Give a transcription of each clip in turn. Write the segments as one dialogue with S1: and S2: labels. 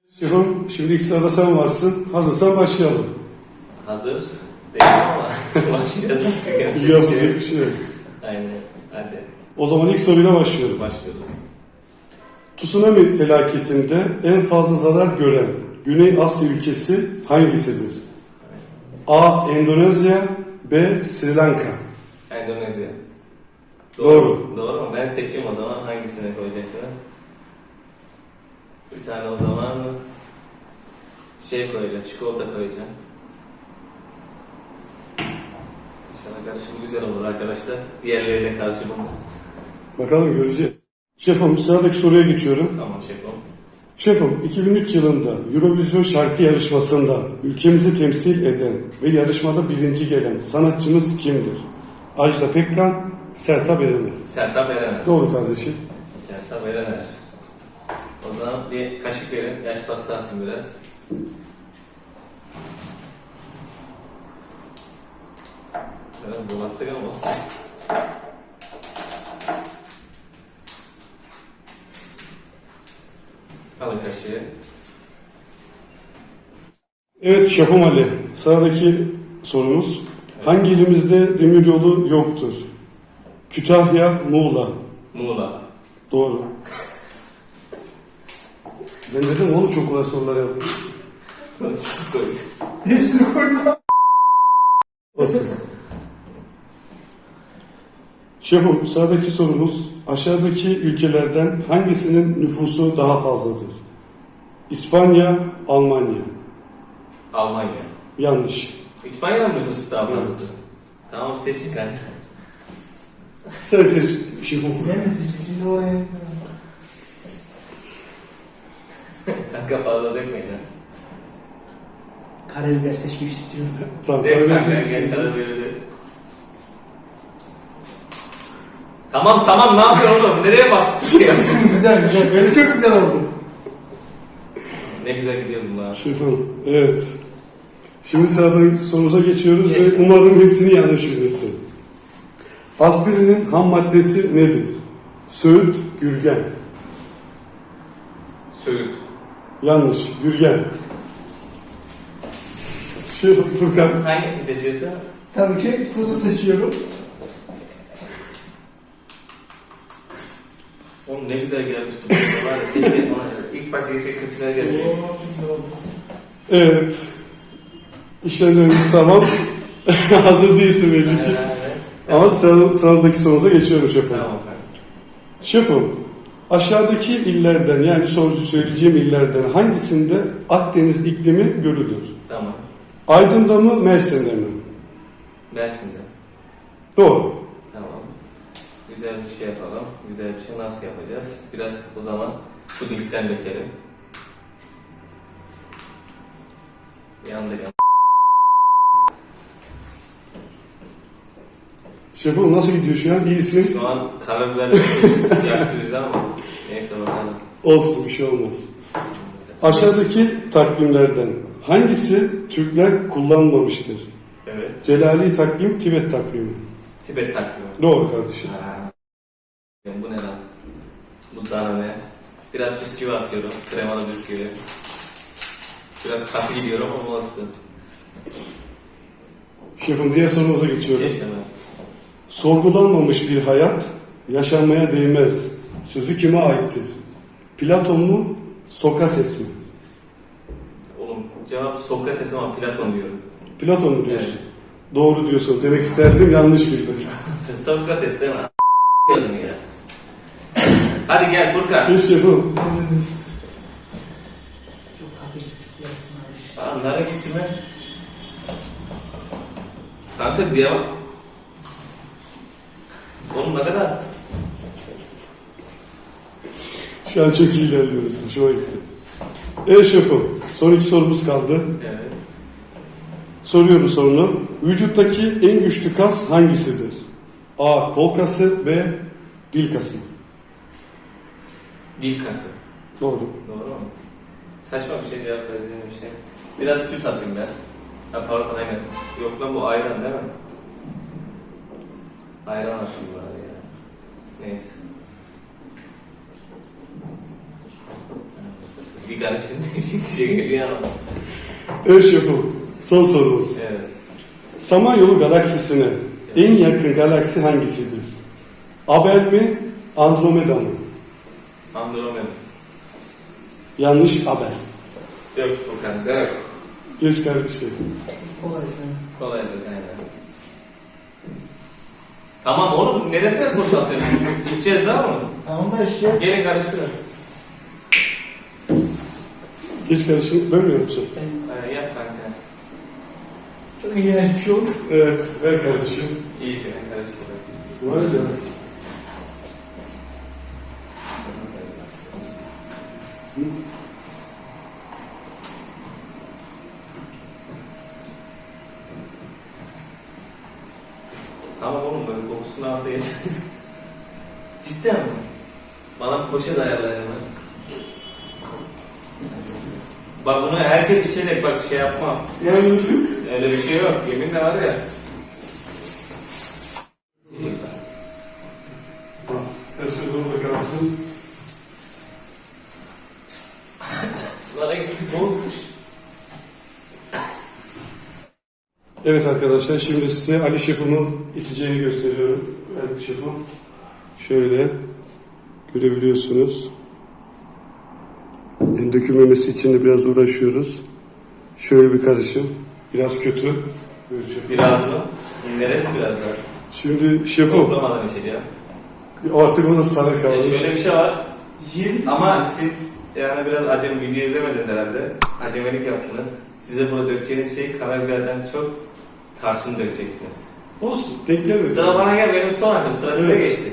S1: Şefim, şimdi ilk sırada sen varsın. Hazırsan başlayalım.
S2: Hazır değilim ama başlayalım artık.
S1: Yapacak bir şey yok.
S2: Aynen, hadi
S1: O zaman ilk soruyla başlıyorum.
S2: başlıyoruz.
S1: Tsunami felaketinde en fazla zarar gören Güney Asya ülkesi hangisidir? A. Endonezya, B. Sri Lanka.
S2: Endonezya.
S1: Doğru.
S2: Doğru mu? Ben seçeyim o zaman hangisine koyacaksın? Bir tane o zaman koyacağım, çikolata koyacağım. İnşallah karışım güzel olur arkadaşlar. Diğerleriyle karışımı.
S1: Bakalım göreceğiz. Şefim, sıradaki soruya geçiyorum.
S2: Tamam şefim.
S1: Şefim, 2003 yılında Eurovision şarkı yarışmasında ülkemizi temsil eden ve yarışmada birinci gelen sanatçımız kimdir? Ajda Pekkan, Sertab Erener.
S2: Sertab Erener.
S1: Doğru kardeşim.
S2: Sertab Erener. O zaman bir kaşık verin, yaş pasta atayım biraz. Evet, bulattık ama olsun. Alın kaşığı.
S1: Evet Şefim Ali, sıradaki sorumuz. Hangi ilimizde demiryolu yoktur? Kütahya, Muğla.
S2: Muğla.
S1: Doğru. Ben dedim onu çok kolay sorular yaptım.
S2: Çok koydum.
S3: Hepsini koydum.
S1: Nasıl? Şefim, sıradaki sorumuz. Aşağıdaki ülkelerden hangisinin nüfusu daha fazladır? İspanya, Almanya.
S2: Almanya.
S1: Yanlış.
S2: İspanya'nın nüfusu daha fazla.
S1: Evet.
S2: Tamam seçin kanka.
S1: Sen seç şefim.
S3: Bilemez hiçbir şey oraya.
S2: Kanka fazla dökmeyin ha.
S3: Karabiber seçmek istiyorum.
S1: Tamam.
S2: Dök kanka gel karabiberi de. Tamam ne yapıyorsun oğlum? Nereye bastın?
S3: Güzel güzel. Böyle çok güzel oldu.
S2: Ne güzel gidiyordun lan.
S1: Şefim, evet. Şimdi sıradaki sorumuza geçiyoruz ve umarım hepsini yanlış bilirsin. Aspirinin ham maddesi nedir? Söğüt, gürgen.
S2: Söğüt.
S1: Yanlış, gürgen. Şefim Furkan.
S2: Hangisini seçiyorsun?
S3: Tabii ki tuzu seçiyorum.
S2: Oğlum ne güzel gelmişti. Var ya keşke bana ilk başta geçecek kötüler gelsin.
S3: Oo, çok güzel oldu.
S1: Evet. İşlemlerimiz tamam. Hazır değilsin belli ki. Ama sıradaki sorumuza geçiyorum şefim.
S2: Tamam kanka.
S1: Şefim, aşağıdaki illerden yani söyleyeceğim illerden hangisinde Akdeniz iklimi görülür?
S2: Tamam.
S1: Aydın'da mı, Mersin'de mi?
S2: Mersin'de.
S1: Doğru.
S2: Tamam. Güzel bir şey yapalım. Güzel bir şey nasıl yapacağız? Biraz o zaman pudingden dökelim. Yandı.
S1: Şefim nasıl gidiyor şu an? İyisin.
S2: Şu an karabiber yaktı bizi ama neyse bakalım.
S1: Olsun, bir şey olmaz. Aşağıdaki takvimlerden hangisi Türkler kullanmamıştır?
S2: Evet.
S1: Celali takvim, Tibet takvimi.
S2: Tibet takvimi.
S1: Doğru kardeşim.
S2: Ha. Bu ne lan? Bu dana ne? Biraz bisküvi atıyorum. Kremalı bisküvi. Biraz katı gidiyorum ama olsun.
S1: Şefim diğer sorumuza geçiyorum.
S2: Yaşama.
S1: Sorgulanmamış bir hayat yaşanmaya değmez. Sözü kime aittir? Platon mu, Sokrates mi?
S2: Oğlum cevap Sokrates ama Platon diyorum.
S1: Platon mu diyorsun?
S2: Evet.
S1: Doğru diyorsun. Demek isterdim, yanlış bildim.
S2: Sokrates değil mi? Diyordun ya. Hadi gel Furkan.
S1: Hiç şefim.
S3: Çok katı gelsin abi.
S2: Nar ekşisi mi? Kanka devam. Oğlum ne kadar attın?
S1: Şu an çok iyi ilerliyoruz. Hoşuma gitti. Evet şefim. Son iki sorumuz kaldı.
S2: Evet.
S1: Soruyorum sorunu. Vücuttaki en güçlü kas hangisidir? A. Kol kası, B. Dil kası.
S2: Dil kası.
S1: Doğru.
S2: Doğru mu? Saçma bir şey cevap vereceğim bir şey. Biraz süt atayım ben. Ha pardon aynen. Yok lan bu ayran değil mi? Ayran atayım bari ya. Neyse. Bir karışım değişik bir şey geliyor ama.
S1: Evet şefim. Son sorumuz.
S2: Evet.
S1: Samanyolu galaksisine en yakın galaksi hangisidir? Abel mi? Andromeda mı?
S2: Andromeda.
S1: Yanlış Abel.
S2: Yok Furkan. Yok.
S1: Geç kardeşim.
S3: Kolay.
S2: Kolay bir aynen. Tamam oğlum neresine boşaltıyorsun? İçeceğiz daha mı?
S3: Tamam da işte.
S2: Gelin karıştırın.
S1: Geç kardeşim. Ben mi yapacağım?
S2: Yap kanka.
S3: Çok ilginç bir şey oldu.
S1: Evet. Ver kardeşim.
S2: İyi ben karıştırın.
S1: Var ya.
S2: Tamam oğlum böyle kokusunu alsa yeter. Cidden mi? Bana bir poşet ayarla hemen. Bak bunu herkes içecek bak şey yapma.
S1: Yalnız.
S2: Öyle bir şey yok. Yeminle var ya.
S1: Her şey burada kalsın.
S2: Lan eksik bozmuş.
S1: Evet arkadaşlar şimdi size Ali Şef'in içeceğini gösteriyorum. Ali Şef'im. Şöyle görebiliyorsunuz. Yani dökülmemesi için de biraz uğraşıyoruz. Şöyle bir karışım. Biraz kötü. Buyur şefim.
S2: Biraz mı? Neresi biraz daha?
S1: Şimdi şefim
S2: Toplamadan içeceğim.
S1: artık o da sana kalmış.
S2: Şöyle bir şey var.
S3: Yiyebilir misin?
S2: Ama siz yani biraz acem video izlemediniz herhalde. Acemelik yaptınız. Size burada dökeceğiniz şey karabiberden çok tarçın dökecektiniz.
S1: Olsun. Denk gelmedi.
S2: Sıra bana gel benim son hakkım. Sıra size
S1: Evet.
S2: geçti.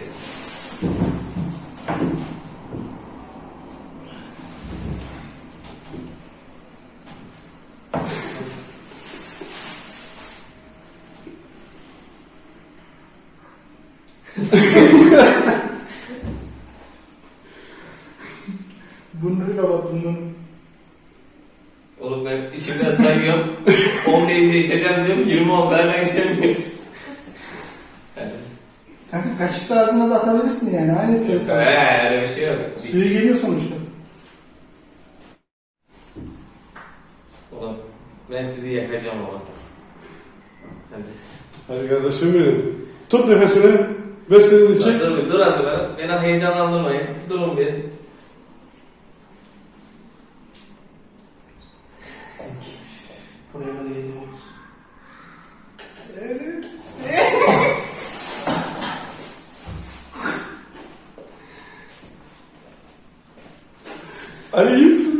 S3: Bunları kapat bunun.
S2: Oğlum ben içimden sayıyorum. 10 deyince içeceğim diyorum. 20 oldu hala içemiyorum.
S3: Kanka kaşıkla ağzına da atabilirsin yani. Aynı ses.
S2: Öyle bir şey yok.
S3: Suyu geliyor sonuçta.
S2: Oğlum ben sizi yakacağım ama. Hadi.
S1: Hadi kardeşim benim. Tut nefesini. Beslenin için.
S2: Dur az evvel. Beni heyecanlandırmayın. Durun bir.
S3: Buraya da geliyoruz.
S1: Ali iyi misin?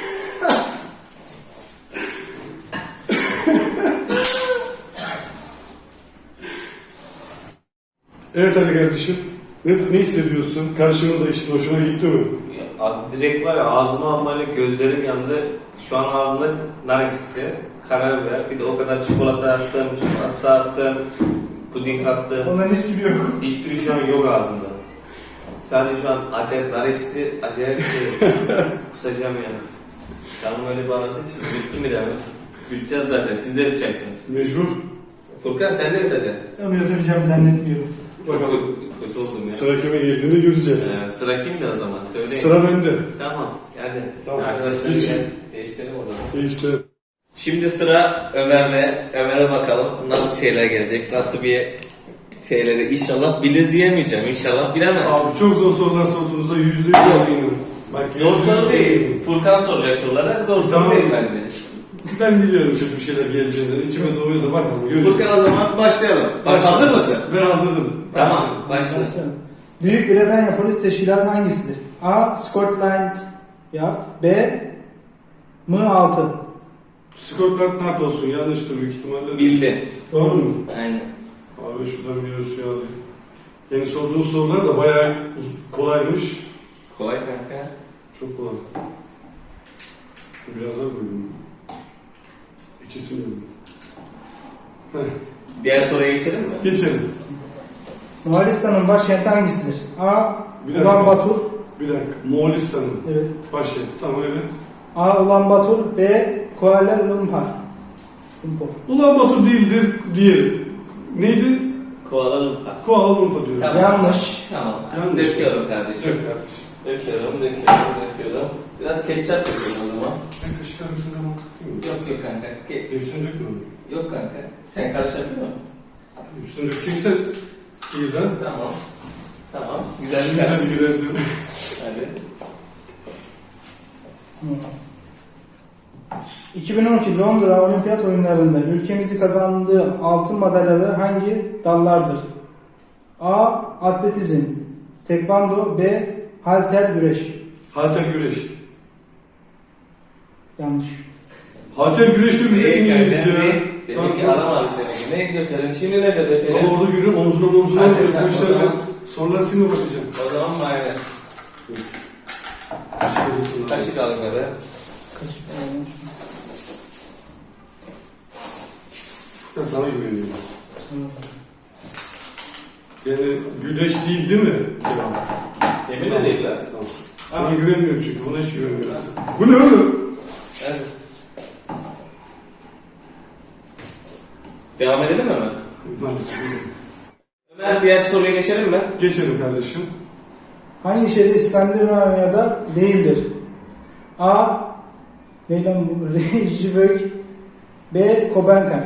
S1: Evet Ali kardeşim. Ne hissediyorsun? Karşımda işte hoşuna gitti mi?
S2: Direkt var ya ağzıma almayla gözlerim yandı. Şu an ağzımda nar ekşisi, karabiber, bir de o kadar çikolata attım, pasta attım, puding attım.
S3: Onların hiçbiri yok.
S2: Hiçbiri şu an yok ağzımda. Sadece şu an acayip nar ekşisi, acayip bir şey. Kusacağım yani. Canım öyle bağladı ki şimdi bitti mi demek? Büteceğiz zaten, siz de bitacaksınız.
S1: Mecbur.
S2: Furkan sen de biteceksin.
S3: Ama yatabileceğimi zannetmiyorum.
S2: Çok
S1: Bakalım.
S2: kötü oldum ya.
S1: Sıra kime geldiğini göreceğiz.
S2: Sıra kimdi o zaman? Söyleyin.
S1: Sıra bende.
S2: Tamam, hadi.
S1: Tamam.
S2: Arkadaşlar
S1: Geçin.
S2: gel, değiştirelim o zaman.
S1: İşte
S2: Şimdi sıra Ömer'de. Ömer'e bakalım nasıl şeyler gelecek, nasıl bir şeyleri inşallah bilir diyemeyeceğim. İnşallah bilemez.
S1: abi çok zor sorular sorduğunuzda %100 eminim. Bak,
S2: Zor soru değil. Furkan soracak sorulara. Zor soru
S1: Tamam.
S2: değil bence.
S1: Ben biliyorum çok bir şeyler geleceğini. İçime doğuyor da bakalım. Göreceğiz.
S2: Furkan o zaman başlayalım. Bak
S1: Başla.
S2: hazır mısın?
S1: Ben hazırdım.
S2: Tamam. Başla.
S3: Başlayalım. Büyük Britanya Polis Teşkilatı hangisidir? A. Scotland Yard. B. M6.
S1: Scotland Yard olsun. Yanlıştır büyük ihtimalle.
S2: Bildin.
S1: Doğru mu?
S2: Aynen.
S1: Abi şuradan bir suyu alayım. Yeni sorduğun sorular da bayağı kolaymış.
S2: Kolay kanka.
S1: Çok kolay. Biraz daha koyayım. İçesim yok.
S2: Diğer soruya geçelim mi?
S1: Geçelim.
S3: Moğolistan'ın başkenti hangisidir? A.
S1: Bir dakika.
S3: Ulan Batur.
S1: Bir dakika. Moğolistan'ın
S3: Evet.
S1: başkenti. Tamam evet.
S3: A. Ulan Batur. B. Kuala Lumpur.
S1: Ulan Batur değildir. Diğeri. Neydi?
S2: Kuala Lumpur.
S1: Kuala Lumpur diyorum.
S3: Yanlış.
S2: Tamam.
S1: Yanlış.
S2: Döküyorum kardeşim.
S1: Yok kardeşim.
S2: Döküyorum. Biraz ketçap döküyorum o zaman.
S1: Ben kaşık arasında mantıklı mı?
S2: Yok kanka.
S1: Hepsini dökme onu.
S2: Yok kanka. Sen karışabiliyor musun?
S1: Üstüne dökeceksen iyi de.
S2: Tamam. Güzel bir
S1: Şimdi
S2: karışım.
S1: hadi girelim.
S2: Hadi.
S3: 2012 Londra Olimpiyat Oyunları'nda ülkemizi kazandığı altın madalyaları hangi dallardır? A. Atletizm, tekvando, B. Halter güreş.
S1: Halter güreş.
S3: Yanlış.
S1: Halter güreşte biz de en iyiyiz ya.
S2: Demek ki aramadık demek ki. Ne dökelim? Şimdi ne dökelim?
S1: Ama orada görüyorum omzuna
S2: Hadi,
S1: vuruyor.
S2: hadi,
S1: Bu
S2: o
S1: işler
S2: zaman.
S1: sorular seninle bakacağım.
S2: O zaman mayonez.
S1: Kaşık arasında.
S2: Kaşık alınmadı.
S3: Kaçık olmuş.
S1: Ben sana güveniyorum. Yani güneş değil mi? Cevap.
S2: Yemin de değil lan.
S1: Tamam. Buna güvenmiyorum çünkü. Buna hiç güvenmiyorum. Bu ne oğlum?
S2: Hadi. Devam edelim mi hemen?
S1: Maalesef.
S2: Ömer diğer soruya geçelim mi?
S1: Geçelim kardeşim.
S3: Hangi şehir İskandinavya'da değildir? A. Neylan bu? Reykjavik, B. Kopenhag.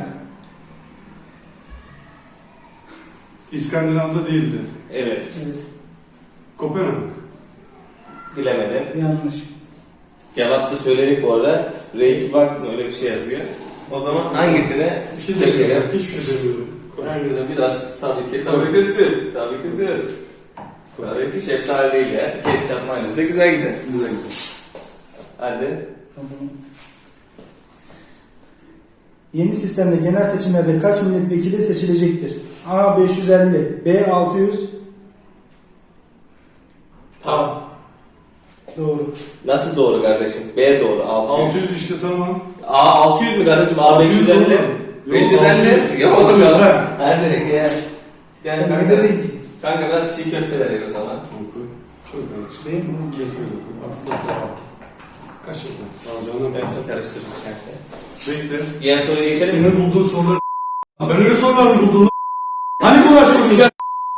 S1: İskandinav'da değildi.
S2: Evet.
S1: Kopenhag.
S2: Bilemedim.
S3: Yanlış.
S2: Cevap da söyledik bu arada. Reykjavik mı öyle bir şey yazıyor. O zaman hangisine
S1: Bir şey
S2: dökelim?
S1: demiyorum. Hiçbir şey demiyorum.
S2: Hangisi biraz tabii ki süt. Tabii ki süt. Tabii ki şeftali değil ya. Ketçap mayonez de güzel gider.
S1: Güzel gidiyor.
S2: Hadi.
S3: Yeni sistemde genel seçimlerde kaç milletvekili seçilecektir? A. 550, B. 600.
S2: Tamam.
S3: Doğru.
S2: Nasıl doğru kardeşim? B doğru. 600.
S1: 600 işte tamam.
S2: A 600 mü kardeşim? A
S1: 600
S2: 550.
S1: oğlum. Yok,
S2: 550.
S1: 600.
S2: Yok oğlum
S1: 600
S2: ya.
S1: lan.
S2: Hadi gel. Gel
S3: Sen ne
S2: kanka.
S3: dedin ki?
S2: Kanka biraz çiğ köfte verelim o zaman.
S1: Çok kardeşim.
S3: Değil mi?
S1: Kesmiyor. Atı da at. Kaşıkla. Sağ olun.
S2: Ben sana karıştırırız kanka.
S1: Bekle.
S2: Diğer soruya geçelim mi?
S1: Senin bulduğun soruları ben öyle sorular mı buldum lan? Hani kolay sorular?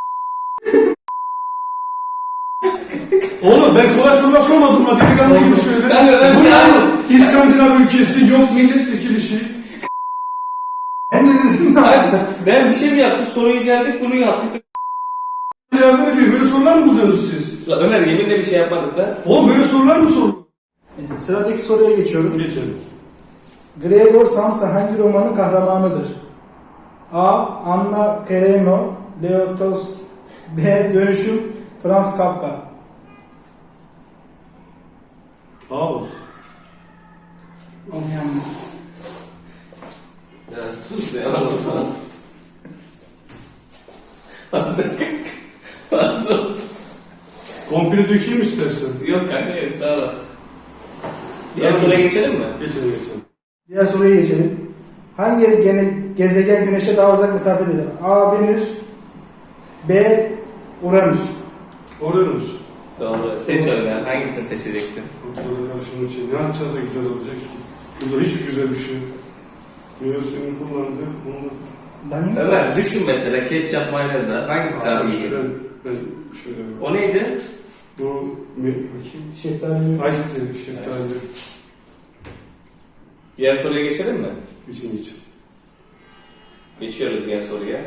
S1: Oğlum ben kolay sorular sormadım lan. Delikanlı gibi söyle.
S2: Ben
S1: Bu ne oğlum? İskandinav ülkesi yok milletvekili şey.
S3: Hem de dedim
S2: Hayır, ben bir şey mi yaptım? Soruyu geldik bunu yaptık.
S1: Yardım ediyor. Böyle sorular mı buluyorsunuz siz?
S2: La Ömer yeminle bir şey yapmadık lan.
S1: Oğlum böyle sorular mı sorulur?
S3: Sıradaki soruya geçiyorum.
S1: Geçelim.
S3: Gregor Samsa hangi romanın kahramanıdır? A. Anna Karenina, Leo Tolstoy, B. Dönüşüm, Franz Kafka.
S1: Ağuz.
S3: Yanlış.
S2: Ya sus be yalan olsun.
S1: Komple dökeyim istersen.
S2: Yok kanka yok sağ olasın. Diğer soruya geçelim mi?
S1: Geçelim geçelim.
S3: Diğer soruya geçelim. Hangi gezegen Güneş'e daha uzak mesafededir? A. Venüs, B. Uranüs.
S1: Oranus.
S2: Doğru. Seç Ömer. Hangisini seçeceksin?
S1: Burada karşımın için ne yapacağız da güzel olacak ki? Burada hiç güzel bir şey yok. Meyvesini kullandı. Onu...
S3: Ben mi?
S2: Ömer düşün mesela ketçap mayonez var. Hangisi daha iyi?
S1: Ben şöyle...
S2: O neydi?
S1: Bu... Bakayım.
S3: Şeftali.
S1: Ice tea, şeftali.
S2: Diğer soruya geçelim mi?
S1: için.
S2: Geçiyoruz diğer soruya.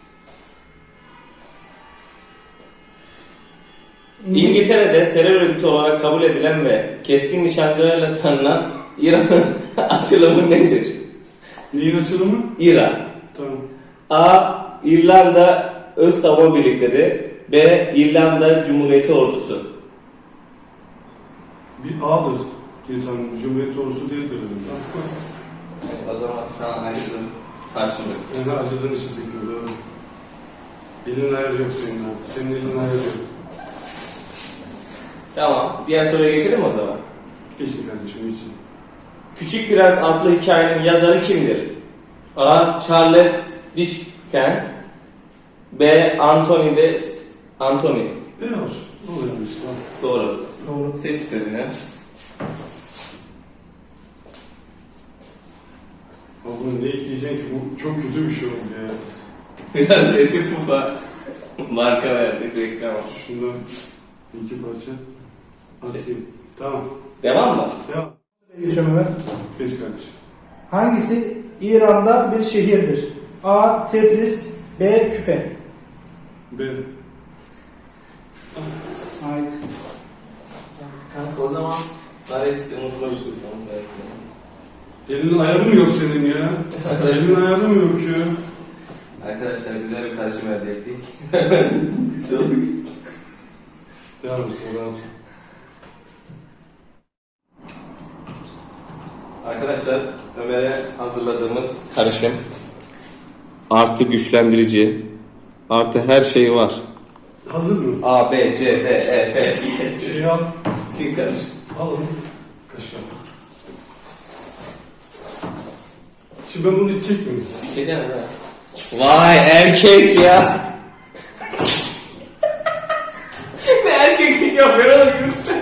S2: İngiltere'de terör örgütü olarak kabul edilen ve keskin nişancılarla tanınan İran'ın açılımı nedir?
S1: Neyin açılımı?
S2: İran.
S1: Tamam.
S2: A. İrlanda Öz Savunma Birlikleri, B. İrlanda Cumhuriyeti Ordusu.
S1: Bir A'dır diye tahmin ediyorum. Cumhuriyet ordusu değildir herhalde.
S2: O zaman sana acıdım. Karşılık.
S1: Yani acıdan işi tekiyor, doğru. Elin ayarı yok senin ha. Senin elin ayarı yok.
S2: Tamam. Diğer soruya geçelim o zaman.
S1: Geçin kardeşim, geçin.
S2: Küçük Prens adlı hikayenin yazarı kimdir? A. Charles Dickens, B. Anthony.
S1: Ne olsun? Ne oluyormuş lan?
S2: Doğru.
S3: Doğru.
S2: Seç istediğini.
S1: Ama bunu ne ekleyeceksin ki? Bu çok kötü bir şey oldu ya.
S2: Biraz eti pufa marka verdik reklam.
S1: Şundan bir iki parça. Atayım. Tamam.
S2: Devam mı?
S1: Devam.
S3: Geçiyorum Ömer.
S1: Geç kardeşim.
S3: Hangisi İran'da bir şehirdir? A. Tebriz, B. Küfe.
S1: B.
S3: Ait.
S2: Kanka o zaman nar ekşisi unutmuştuk.
S1: Elinin ayarı mı yok senin ya? Elinin ayarı mı yok ya?
S2: Arkadaşlar güzel bir karışım elde ettik. Güzel oldu.
S1: Devam et sonra.
S2: Arkadaşlar Ömer'e hazırladığımız karışım artı güçlendirici artı her şey var.
S1: Hazır mı?
S2: A, B, C, D, E, F.
S1: Şey al.
S2: Bütün karışım.
S1: Al onu. Kaşık al. Şimdi ben bunu içecek miyim?
S2: İçeceğim ha. Vay erkek ya. Ne erkeklik yapıyor oğlum lütfen.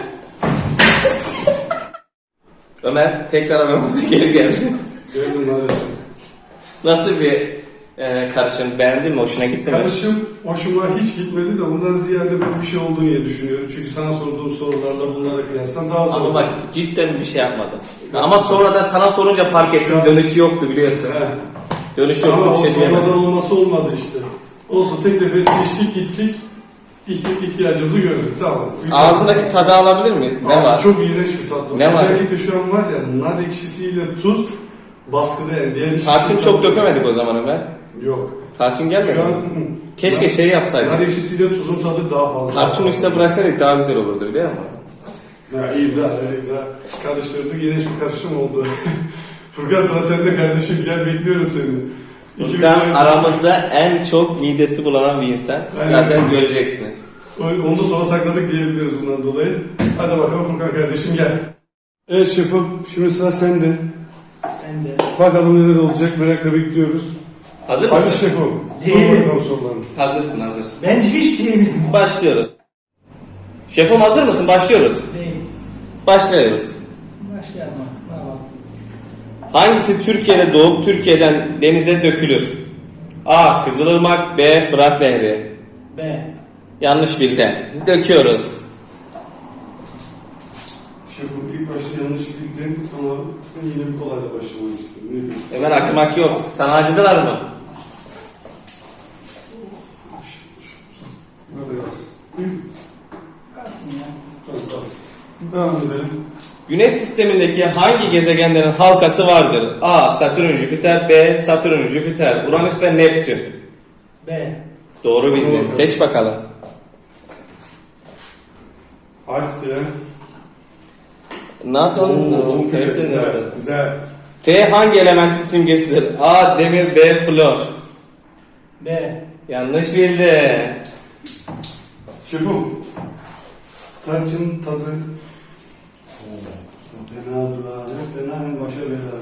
S2: Ömer tekrar aramıza geri geldi.
S1: Gördüm maalesef.
S2: Nasıl bir karışım? Beğendin mi? Hoşuna gitti mi?
S1: Karışım hoşuma hiç gitmedi de ondan ziyade ben bir şey olduğunu diye düşünüyorum. Çünkü sana sorduğum sorularla bunlara kıyasla daha zor.
S2: Ama bak cidden bir şey yapmadım. Ama sonra da sana sorunca fark ettim. Dönüşü yoktu biliyorsun.
S1: He.
S2: Dönüşü
S1: Ama
S2: yoktu
S1: o
S2: bir şey diyemedim.
S1: sonradan olması olmadı işte. Olsun tek nefes geçtik gittik. İhtiyacımızı gördük. Tamam. Güzel.
S2: Ağzındaki tadı alabilir miyiz? Ne
S1: Abi
S2: var?
S1: Çok iğrenç bir tat.
S2: Ne var?
S1: Özellikle şu an var ya nar ekşisiyle tuz baskıda yani. Diğer hiçbir
S2: Tarçın
S1: şey
S2: çok
S1: tadı-
S2: dökemedik o zaman Ömer.
S1: Yok.
S2: Tarçın gelmedi
S1: Şu an
S2: mi? Keşke şey
S1: nar
S2: yapsaydık.
S1: ekşisiyle tuzun tadı daha fazla.
S2: Tarçın üstüne bıraksaydık daha güzel olurdu biliyor musun?
S1: Ya iyi daha karıştırdık. İğrenç bir karışım oldu. Furkan sıra sende kardeşim. Gel bekliyoruz seni.
S2: Furkan aramızda en çok midesi bulanan bir insan.
S1: Aynen.
S2: Zaten göreceksiniz.
S1: Onu da sona sakladık diyebiliriz bundan dolayı. Hadi bakalım Furkan kardeşim gel. Evet şefim, şimdi sıra sende.
S3: Ben de.
S1: Bakalım neler olacak, merakla bekliyoruz.
S2: Hazır
S1: Hadi
S2: mısın?
S1: şefim, sor
S3: Değilim.
S1: bakalım sorularını.
S2: Hazırsın hazır.
S3: Bence hiç değilim.
S2: Başlıyoruz. Şefim hazır mısın? Başlıyoruz.
S3: Değil.
S2: Başlıyoruz.
S3: Başlayalım artık. Ne yapalım?
S2: Hangisi Türkiye'de doğup Türkiye'den denize dökülür? A. Kızılırmak, B. Fırat Nehri.
S3: B.
S2: Yanlış bildin. Döküyoruz.
S1: Şefim ilk başta yanlış bildin ama ben yine bir kolayla başlamak istiyorum. Ne diyorsun?
S2: Hemen akımak yok. Sana acıdılar mı?
S1: Böyle yazsın.
S3: Kalsın ya.
S1: Tamam, kalsın. Devam edelim.
S2: Güneş sistemindeki hangi gezegenlerin halkası vardır? A. Satürn, Jüpiter, B. Satürn, Jüpiter, Uranüs ve Neptün.
S3: B.
S2: Doğru bildin.
S1: Doğru.
S2: Seç bakalım.
S1: Ice diye.
S2: Nathan,
S1: Güzel, güzel.
S2: F hangi elementin simgesidir? A. Demir, B. Flor.
S3: B.
S2: Yanlış bildi.
S1: Şefim, tarçın tadı. Fena duvar, fena en başa bela.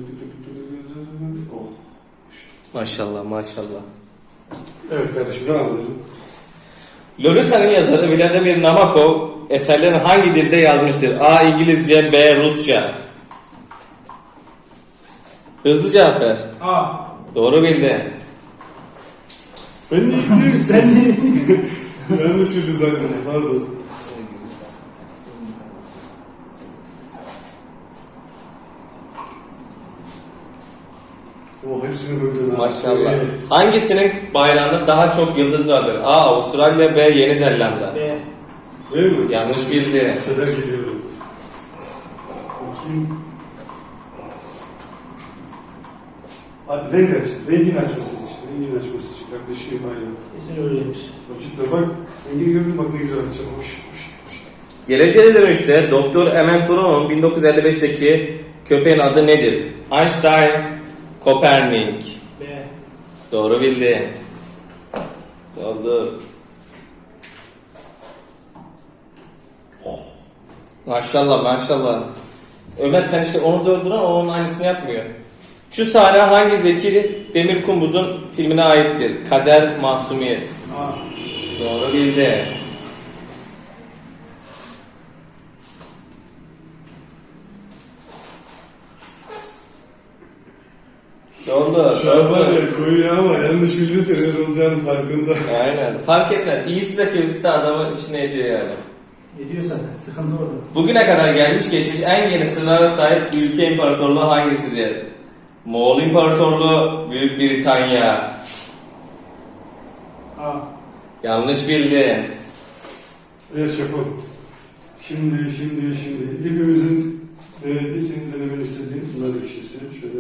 S1: Oh.
S2: Maşallah maşallah.
S1: Evet kardeşim, devam edelim.
S2: Lolita'nın yazarı Vladimir Nabokov eserlerini hangi dilde yazmıştır? A. İngilizce, B. Rusça. Hızlı cevap ver.
S3: A.
S2: Doğru bildi.
S1: Ben de ilk
S3: Sen ne?
S1: yanlış bildi zaten, pardon. Oh hepsini böyle.
S2: Maşallah.
S1: Evet.
S2: Hangisinin bayrağında daha çok yıldız vardır? A. Avustralya, B. Yeni Zelanda.
S3: B.
S1: Değil mi?
S2: Yanlış bildi.
S1: Sefer geliyorum. Bakayım. Abi renk aç. Rengin açması için. Rengin açması için. Yaklaşayım aynen.
S3: Kesin öyledir.
S1: Cidden bak. Rengini gördün bak ne güzel açılmış.
S2: Geleceğe dönüşte Doktor Emil Brown'un 1955'teki köpeğin adı nedir? Einstein, Kopernik.
S3: B.
S2: Doğru bildi. Oldu. Maşallah maşallah. Ömer sen işte onu dördüren onun aynısını yapmıyor. Şu sahne hangi Zeki Demirkubuz'un filmine aittir? Kader, Masumiyet.
S3: A.
S2: Doğru bildi. Doğru.
S1: Şu an var ya koyu ya ama yanlış bildi senin olacağının farkında.
S2: Aynen. Fark etmez. İyisi de kötüsü de adamın içine ediyor yani.
S3: Ediyor zaten. Sıkıntı orada.
S2: Bugüne kadar gelmiş geçmiş en geniş sınırlara sahip ülke imparatorluğu hangisidir? Moğol İmparatorluğu, Büyük Britanya.
S3: A.
S2: Yanlış bildin.
S1: Evet şefim. Şimdi hepimizin denediği, senin denemeni istediğin bunlar ekşisi. Şöyle.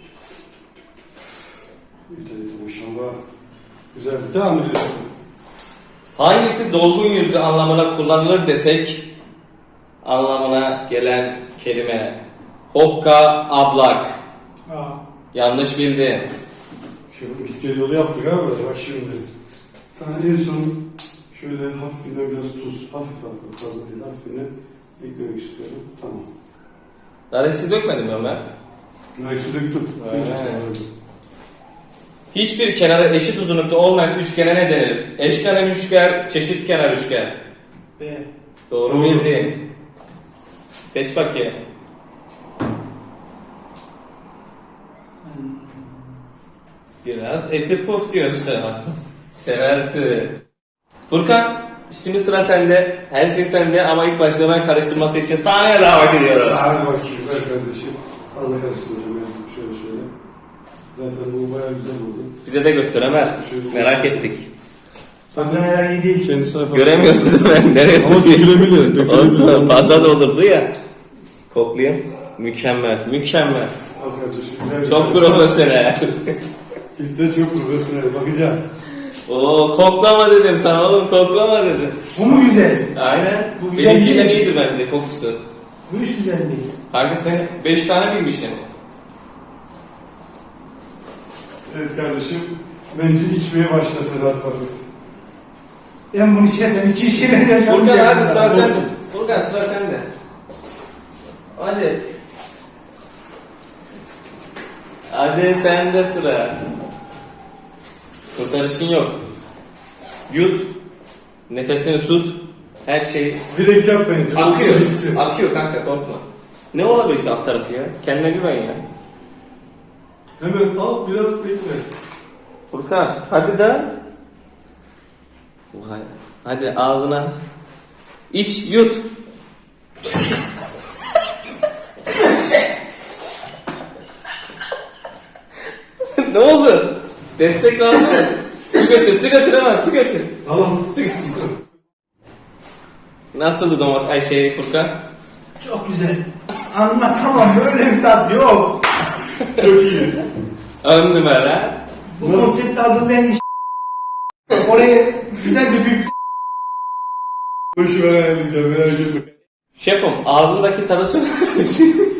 S1: Evet, maşallah. Güzel. Devam ediyoruz.
S2: Hangisi dolgun yüzlü anlamına kullanılır desek anlamına gelen kelime? Hokka, ablak.
S3: A.
S2: Yanlış bildin.
S1: Şefim git gel yolu yaptık abi. Bak şimdi. Sana en son şöyle hafifine biraz tuz. Hafif aldım. Fazla değil. Hafifine eklemek istiyorum. Tamam.
S2: Daresi dökmedin mi Ömer?
S1: Nayısı döktüm.
S2: Aynen.
S1: Çok sağ
S2: Hiçbir kenarı eşit uzunlukta olmayan üçgene ne denir? Eşkenar üçgen, çeşit kenar üçgen.
S3: B.
S2: Doğru
S1: Doğru.
S2: bildin. Seç bakayım. Biraz eti puf diyorsun. Seversin. Furkan, şimdi sıra sende. Her şey sende ama ilk başta ben karıştırması için sahneye davet ediyoruz.
S1: Hadi bakayım ver kardeşim. Fazla karıştıracağım yani. Şöyle. Zaten bu bayağı güzel oldu.
S2: Bize de göster Ömer. Merak ettik.
S3: Malzemeler iyi değil.
S1: Kendisine
S2: Göremiyoruz Ömer. Neresi?
S1: Ama dökülebilir.
S2: Olsun, fazla da olurdu ya. Koklayayım. Mükemmel, mükemmel.
S1: Al kardeşim. Güzel
S2: Çok
S1: bir-
S2: profesyonel.
S1: Cidden çok profesyonel. Bakacağız.
S2: Oo, koklama dedim sana oğlum, koklama dedim.
S3: Bu mu güzel?
S2: Aynen.
S3: Bu güzel
S2: Benimkinden
S3: değil.
S2: iyiydi bence kokusu.
S3: Bu iş güzel değil.
S2: Kanka sen 5 tane bilmişsin.
S1: Evet kardeşim. Bence içmeye başla Sedat Faruk.
S3: Ben bunu içersem hiç iyi şeyler yaşamayacağım.
S2: Furkan hadi sıra
S3: Olsun.
S2: sende. Furkan sıra sende. Hadi. Hadi sende sıra. Kurtarışın yok. Yut. Nefesini tut. Her şey
S1: Direkt yap bence.
S2: akıyor.
S1: Nasıl hissi?
S2: Akıyor kanka, korkma. Ne olabilir ki alt tarafı ya? Kendine güven ya.
S1: Hemen al biraz bekle.
S2: Furkan hadi de. Vay. Hadi ağzına. İç, yut. Ne oldu? Destek lazım. Su götür hemen, su götür.
S1: Tamam.
S2: Su götür. Nasıldı Furkan?
S3: Çok güzel. Anlatamam, böyle bir tat yok.
S1: Çok iyi.
S2: Ön numara.
S3: Bu konsepti hazırlayan iş. Oraya güzel bir büyük
S1: Boşu ben ayarlayacağım. Merak etme.
S2: Şefim ağzındaki tadı söyler misin?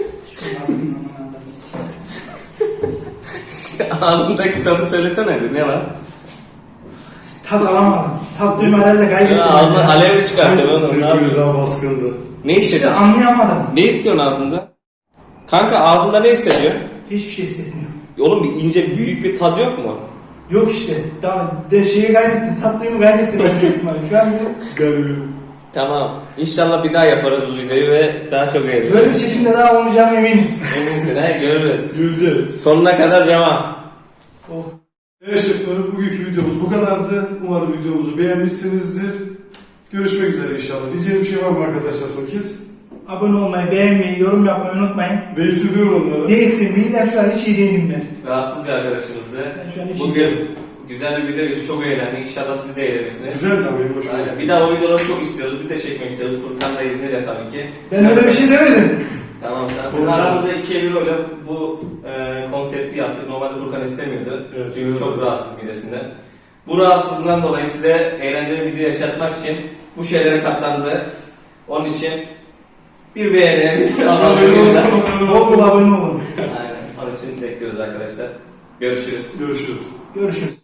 S2: Ağzındaki tadı söylesene bir, ne var?
S3: tat alamadım. Tat duyma herhalde kaybettim.
S2: Ya, ağzından alev mi çıkartıyor oğlum? Ne
S1: Sırgülü
S2: yapıyorsun?
S1: daha baskındı.
S2: Ne
S3: İşte
S2: hissediyorsun?
S3: anlayamadım.
S2: Ne istiyorsun ağzında? Kanka ağzında ne hissediyor?
S3: Hiçbir şey hissetmiyorum.
S2: Oğlum bir ince büyük bir tadı yok mu?
S3: Yok işte. Daha şeyi kaybettim. Tat duyumu kaybettim. Ben büyük ihtimalle. Şu an
S1: Garibim.
S2: Tamam. İnşallah bir daha yaparız bu videoyu ve daha çok eğleniriz.
S3: böyle bir çekimde daha olmayacağım eminim.
S2: Eminsin ha, görürüz.
S1: Göreceğiz.
S2: Sonuna kadar devam.
S3: Oh.
S1: Evet şeflerim, bugünkü videomuz bu kadardı. Umarım videomuzu beğenmişsinizdir. Görüşmek üzere inşallah. Diyeceğim bir şey var mı arkadaşlar son kez?
S3: Abone olmayı, beğenmeyi, yorum yapmayı unutmayın.
S1: Değiştiriyorum onları.
S3: Değilsin. Midem şu an hiç iyi değilim ben.
S2: Rahatsız bir arkadaşımızdı.
S3: Ben şu an hiç
S2: Bugün güzel bir video geçti. Çok eğlendik. İnşallah siz de eğlenirsiniz.
S1: Güzel de benim hoşuma
S2: Aynen.
S1: gitti.
S2: Bir daha o videoları çok istiyoruz. Biz de çekmek istiyoruz. Furkan da izniyle tabii ki.
S3: Ben öyle bir şey demedim.
S2: Tamam tamam. Biz aramızda 2'ye 1 öyle bu konsepti yaptık. Normalde Furkan istemiyordu.
S1: Evet,
S2: Çünkü
S1: evet.
S2: çok rahatsız midesinden. Bu rahatsızlığından dolayı size eğlenceli bir video yaşatmak için bu şeylere katlandı. Onun için bir beğeni, bir abone olun.
S3: Bol bol abone olun.
S2: Aynen. Onun için bekliyoruz arkadaşlar. Görüşürüz.
S1: Görüşürüz.
S3: Görüşürüz.